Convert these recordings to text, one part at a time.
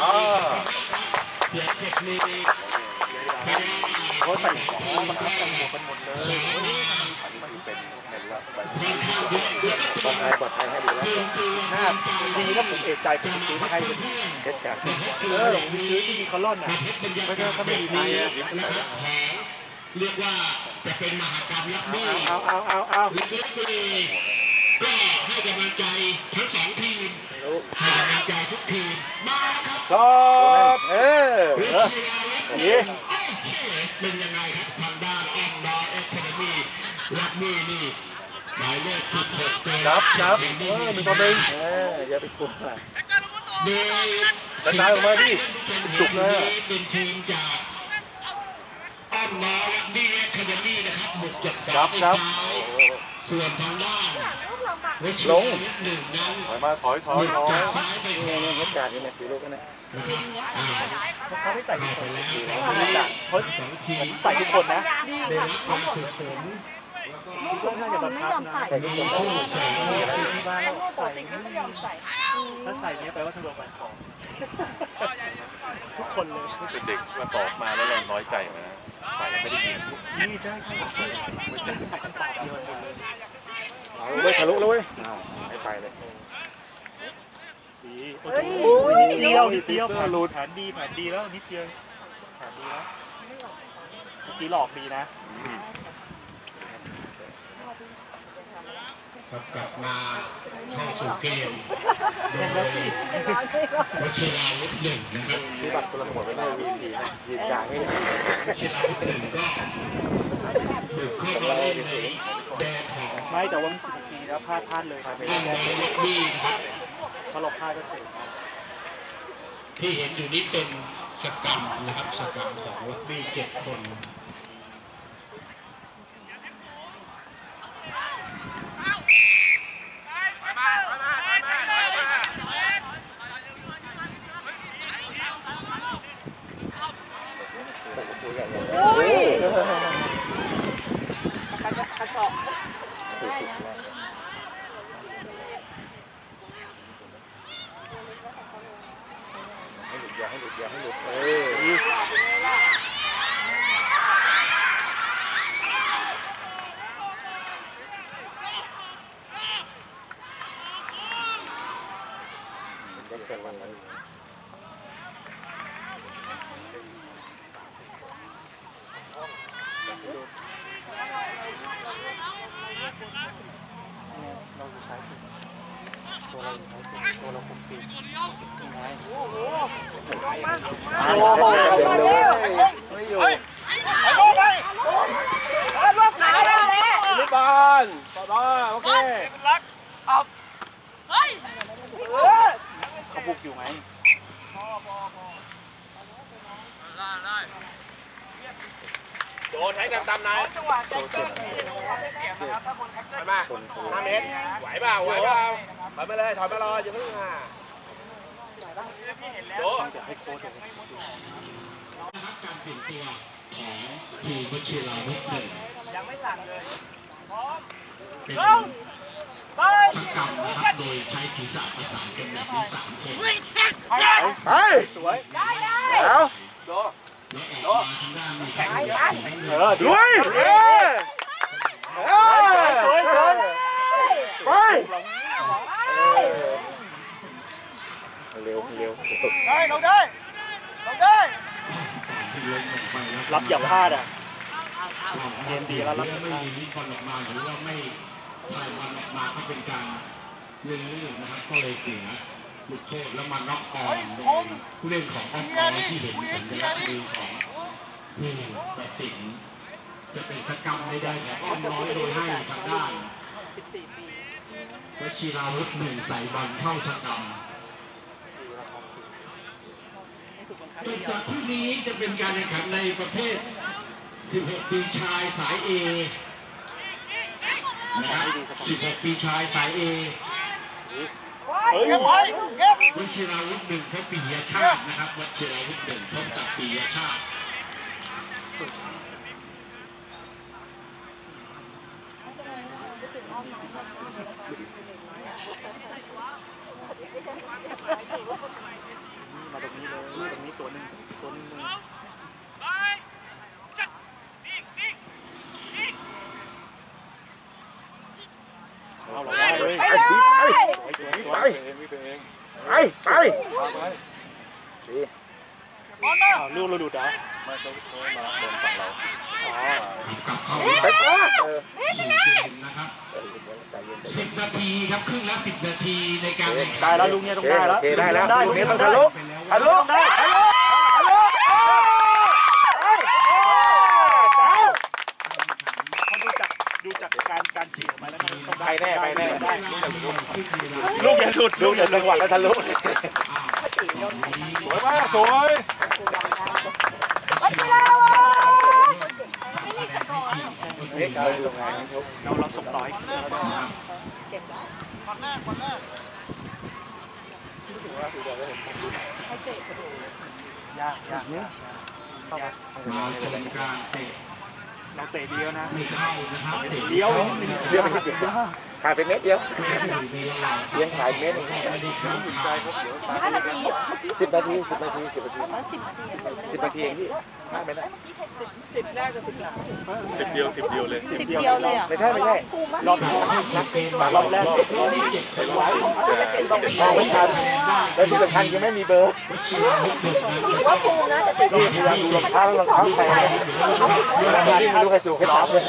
เสียเทคนิคเขาใส่ของบังคับกันหมดกันหมดเลยเป็นปลอดภัยให้ดีแล้วหน้าดีถ้าผมเอะใจผมซื้อให้เป็นเพชรจากผมไปซื้อที่มีคอลลอนอ่ะไม่ใช่เขาไม่ดีนะเรียกว่าจะเป็นมหากรรมลักบี้ก็ให้กำลังใจทั้งสองทีมให้กำลังใจทุกทีมมาครับชอบนี่เป็นยังไงครับทางด้านออมดอเอคาเดมี่ลักบี้นี่หมายเลข16 จับมีตัวเองอย่าไปกลัวกระจายออกมาดิจุกนะเป็นทีมจากออมดอลักบี้เอคาเดมี่นะครับบุกจับส่วนทางด้านลงถอยมาถอยนี่เฮ็ดการนี่นะสีลูกนั่นนะเขาไม่ใส่ทุกคนไม่จัดเพราะใส่ทุกคนนะเดินความฝึกฝนก็น่าจะบังคับนะใส่ทุกคนที่บ้านใส่ถ้าใส่เนี้ยแปลว่าทะเลาะกันของทุกคนเลยเด็กมาตอบมาแล้วเราน้อยใจนะใส่ไม่ได้ยินนี่ได้ไม่ทะลุแล้วเว้ยไม่ไปเลยนิดเดียวผ่านรูดผ่านดีแล้วนิดเดียวผ่านดีแล้วเมื่อกี้หลอกดีนะครับกลับมาเข้าสู่เกมโดยวชิราวุธ1นะครับที่บัตรคนละหมดไม่ได้วีนะยืนกลางให้ชิราวุธ1ก็บุกเข้ามาเล่นในแดนของไม่แต่ว่ามี10 นาทีแล้วพลาดเลยครับแดนของลักบี้นะครับพอเราพลาดก็เสียที่เห็นอยู่นี้เป็นสกรรมนะครับสกรรมของลักบี้7 คนกระชอกให้หลุดก็เกิดวันนั้นเราอยู่ซ้ายสุดตัวเราอยู่ซ้ายสุดตัวเราคุมปีกโอ้โหมาเร็วไม่อยู่ไปรวบขาได้แล้วลูกบอลโอเครักเฮ้ยเขาบุกอยู่ไหมได้โดนให้ตามๆนะไปมา5 เมตรไหวเปล่าถอยมาเลยถอยมารออย่าเพิ่งโดนอยากให้โค้ชการเปลี่ยนตัวของทีมวชิราวุธ1 ยังไม่สั่งเลยเป็นสกรรมนะครับโดยใช้ศีรษะประสานกันแบบนี้3 คนไปสวยแล้วแล้วออกมาทางด้านแข่งด้วยไปเร็วได้รับอย่าพลาดอ่ะเกมดีแล้วรับไม่ยิงบอลออกมาหรือว่าไม่ถ่ายบอลออกมาก็เป็นการเล่นลื่นนะครับก็เลยเสียลูกโทษแล้วมาน็อกออนผู้เล่นของอ้อมกอที่เห็นสัญลักษณ์มือของผู้ตัดสินจะเป็นสกรรมใดๆของอ้อมน้อยโดยให้ทางด้านวชิราวุธ1ใส่บอลเข้าสกรรมจบจากคู่นี้จะเป็นการแข่งขันในประเภท16 ปีชายสาย A นะครับ16 ปีชายสาย A วชิราวุธ1พบปิยชาตินะครับวชิราวุธ1พบกับปิยชาติมาตรงนี้เลยไปดีลูกเราดูดอ่ะกลับเข้าไปเออสู่เกมนะครับ10 นาทีครับครึ่งละ10 นาทีในการแข่งขัได้นแล้วลุงเนี่ยต้องได้แล้วได้แล้วได้ลูกนี้ต้องได้ทะลุไปแล้วทะลุได้ทะลุทะลุเขาดูจากการฉีกมาแล้วต้องไปแน่ไปแน่ได้ลูกอย่าหลุดลูกอย่าจังหวะแล้วทะลุสวยมากสวยเฮ้ยเราลงงานทุกเราส่งต่อให้ยากมาชมการเตะเราเตะเดียวนะไม่เข้านะครับเตะเดียวเดียวไม่ติดขาดไปเม็ดเดียวเลี้ยงขายเม็ด 10 นาที10 นาที10 นาที10 นาทีพี่พลาดไม่ได้ 10 เดียวเลยอ่ะไม่ใช่รอบแรก10 มองไม่ทันแล้วที่สำคัญคือไม่มีเบอร์ว่าภูมินะจะติดนี่พยายามดูรองเท้าใครที่ไม่รู้ใครสูงใครต่ำเลย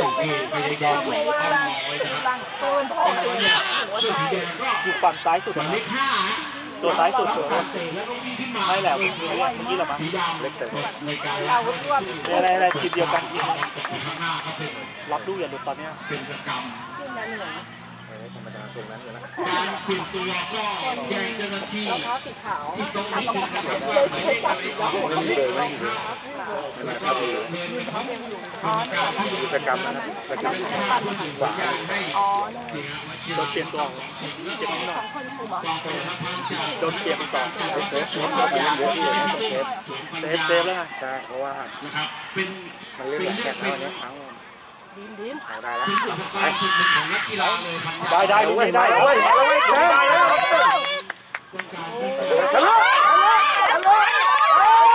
อยู่ฝั่งซ้ายสุดเลข5 ตัวซ้ายสุดแล้วก็วิ่งขึ้นมาไม่แหละเมื่อกี้เรามาสีดำเล็กแต่ในการเรารวบอะไรทีมเดียวกันข้างหน้าก็เป็นรับดูอย่าหลุดตอนนี้เป็นกิจกรรมธรรมดาทรงนั้นอยู่แล้วการเปลี่ยนตัวก็แจ้งเจ้าหน้าที่รองเท้าสีขาวที่ตรงนี้นะครับว่าหมายเลขอะไรก็ไม่มีเลยไม่มีเลยแล้วก็เดินเข้าการที่กิจกรรมนะกิจกรรมค่าผู้สื่อสารให้อ๋อมาเชียโดร์นเปลี่ยนตัวเจ็บนิดหน่อยคนภูมิกองกำลังพันจากโดนเปลี่ยนไป2 เซฟสวนมาเล่นเยอะที่เลยต้องเซฟเซฟแล้วไงใช่เพราะว่านะครับเป็นมันเล่นแบบแข่งแล้วเนี่ยทั้งเอาได้แล้วเป็นอุปกรณ์จุดหนึ่งของนักกีฬาเลยพันยาได้ลูกนี้ได้เฮ้ยมาแล้วเว้ยได้แล้วต้องการที่จะทะลุทะลุ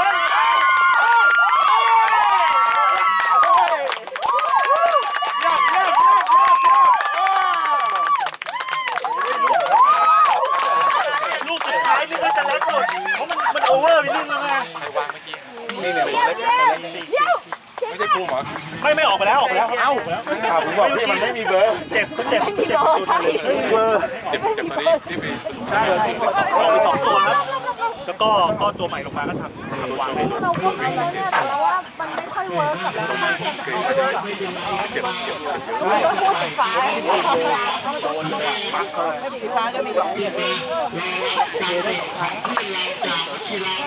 ลูกสุดท้ายนี่ก็จะเล็กสุดเพราะมันโอเวอร์ไปนิดนึงไงนี่เนี่ยผมเล็กไม่ใช่ภูมิเหรอไม่ออกไปแล้วเอ้าผมบอกพี่มันไม่มีเบอร์เจ็บไม่มีโลใช่ไม่มีเบอร์ใช่ออกไป2 ตัวครับแล้วก็ตัวใหม่ลงมาก็ทำวางให้ดูเราพูดเอาแล้วเนี่ยแต่ว่ามันไม่ค่อยเวิร์กกับเรามากเลยเราพูดสีฟ้าสีฟ้าก็มี2อย่างการเตะของที่เราจากกีฬา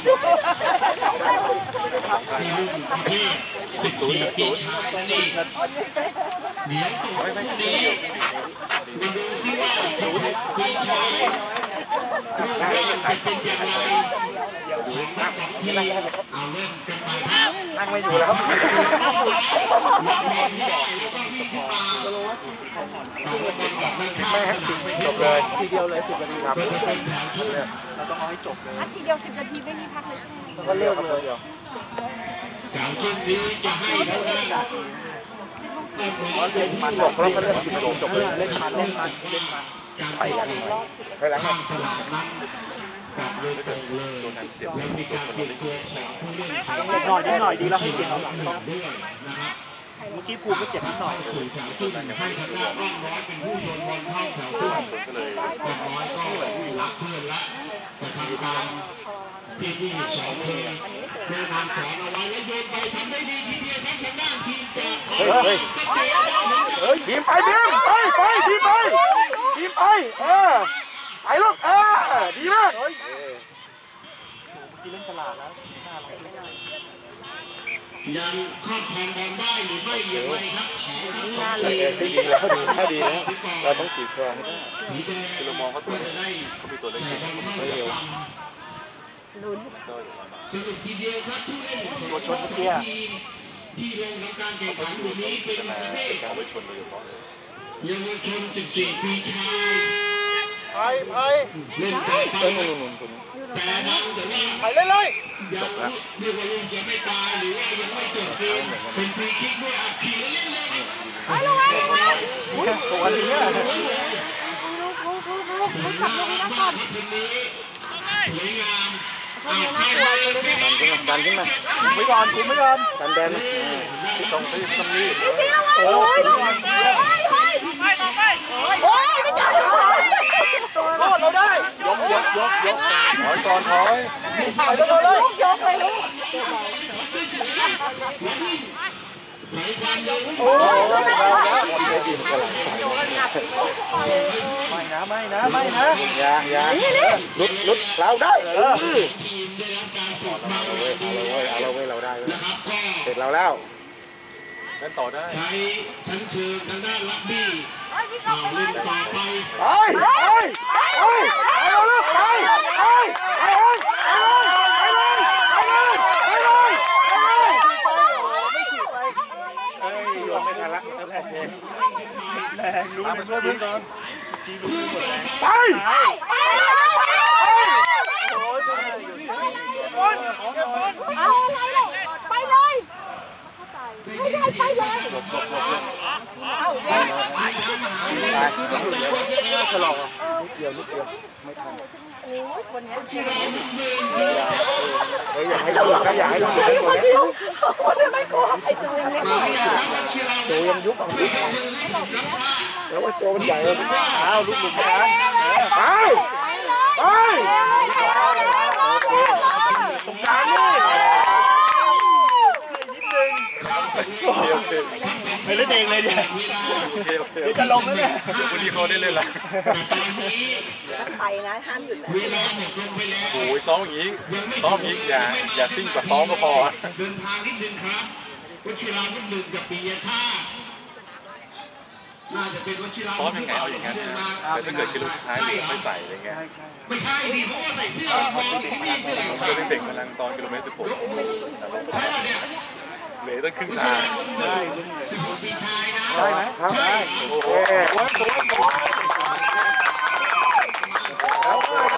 ในรุ่นประเภท14 ปีชายนี่เดี๋ยวตัวคู่นี้มาดูซิว่า16 ปีชายรูปร่างจะเป็นอย่างไรที่เอาเล่นกันไปครับนั่งไม่อยู่แล้ว ไม่ให้สิจบเลยทีเดียวเลย10 นาทีครับเราต้องเอาให้จบเลยทีเดียว10 นาทีไม่มีพักเลยใช่ไหมก็เลือกเลยเดียวจากช่วงนี้จะให้แล้วนะมันจบแล้วก็เลือก10 นาทีจบเลยเล่นมันการไปหลังข้ามสนามนั้นกับโดยตรงเลยแล้วมีการเปลี่ยนตัวของผู้เล่นใช้นิดหน่อยดีแล้วให้เปลี่ยนเอาหลังด้วยนะครับเมื่อกี้ภูมิก็เจ็บนิดหน่อยสู่แถวตู้ให้ทางด้านอ้อมน้อยเป็นผู้โยนบอลเข้าแถวตู้อ้อมน้อยก็รับเพื่อนละจะทำการที่นี่สองคนแนะนำสอนเอาไว้แล้วโยนไปทำได้ดีทีเดียวครับทางด้านทีมจะเฮ้ยบีมไปบีมไปบีมไปบีมไปไปลูกดีมากเมื่อกี้เล่นฉลาดแล้วน่ารักเลยยังครอบครองบอลได้หรือไม่อย่างไรครับขอครับดีแล้วถ้าดีแล้วเราต้องจีบครองให้ได้สีแดงคือเรามองเขาตัวได้เขามีตัวเล็กไม่เร็วสรุปทีเดียวครับผู้เล่นตัวชนเมื่อกี้ที่ลงทำการแข่งขันวันนี้เป็นประเภทเยาวชน14 ปีชายเล่นแต่ไปแต่นั้นแต่ว่าไปเล่นเลยยังเรียกว่าลูกยังไม่ตายหรือว่ายังไม่จบเกมเป็นฟรีคิกด้วยอัดขี่แล้วเล่นเลยตัวนี้คุณขับลงนะก่อนคืนนี้สวยงามเขาเนี่ยน่ากลัวเลยนะดันขึ้นมาไม่ก่อนคุมไม่ก่อนดันแดนที่ตรงที่ตรงนี้พี่ซีระวังโอ้ยลูกเฮ้ยเฮ้ยโอ้ยไม่จับรอดเราได้ยกถอยก่อนถอยไปเลยลูกยกเลยลูกโอ้ยไม่นะอย่าลุดเราได้เอาเราเว้ยเราได้เสร็จเราแล้วนั่นต่อได้ใช้ชั้นเชิงทางด้านลักบี้เล่นต่อไปเอาลูกไปไม่ทันละแรงรู้มันช่วยเพื่อนก่อนไปเอาอะไรลูกไปเลยไปเลยเอาเย็นฉลองนิดเดียวไม่ทันโอ้ยคนนี้อยากให้ดูนะอยากให้ดูคนนี้ไม่กลัวไอ้จูเนี่ยโจยังยุบแล้วว่าโจมันใหญ่เลยอ้าวลูกหลุดไปไปตรงกลางนี่ไปเล่นเองเลยเนี่ยเดี๋ยวจะลงแล้วเนี่ยวันนี้เขาได้เล่นละไปนะห้ามหยุดนะเวลาหมดลงไปแล้วโอ้ยซ้อมอย่างนี้อย่าซิ่งกว่าซ้อมก็พอเดินทางนิดนึงครับวชิราวุธหนึ่งกับปิยชาติน่าจะเป็นวชิราซ้อมยังไงเอาอย่างนั้นนะแต่ถ้าเกิดกิโลสุดท้ายเหลือไม่ใส่อะไรเงี้ยไม่ใช่ดิเพราะว่าใส่เสื้อพอเขาไม่เสื้อเพื่อนเด็กๆกำลังตอนกิโลเมตร 16เหลือตั้งครึ่งทางปีชายนะได้ไหมครับได้โอ้โห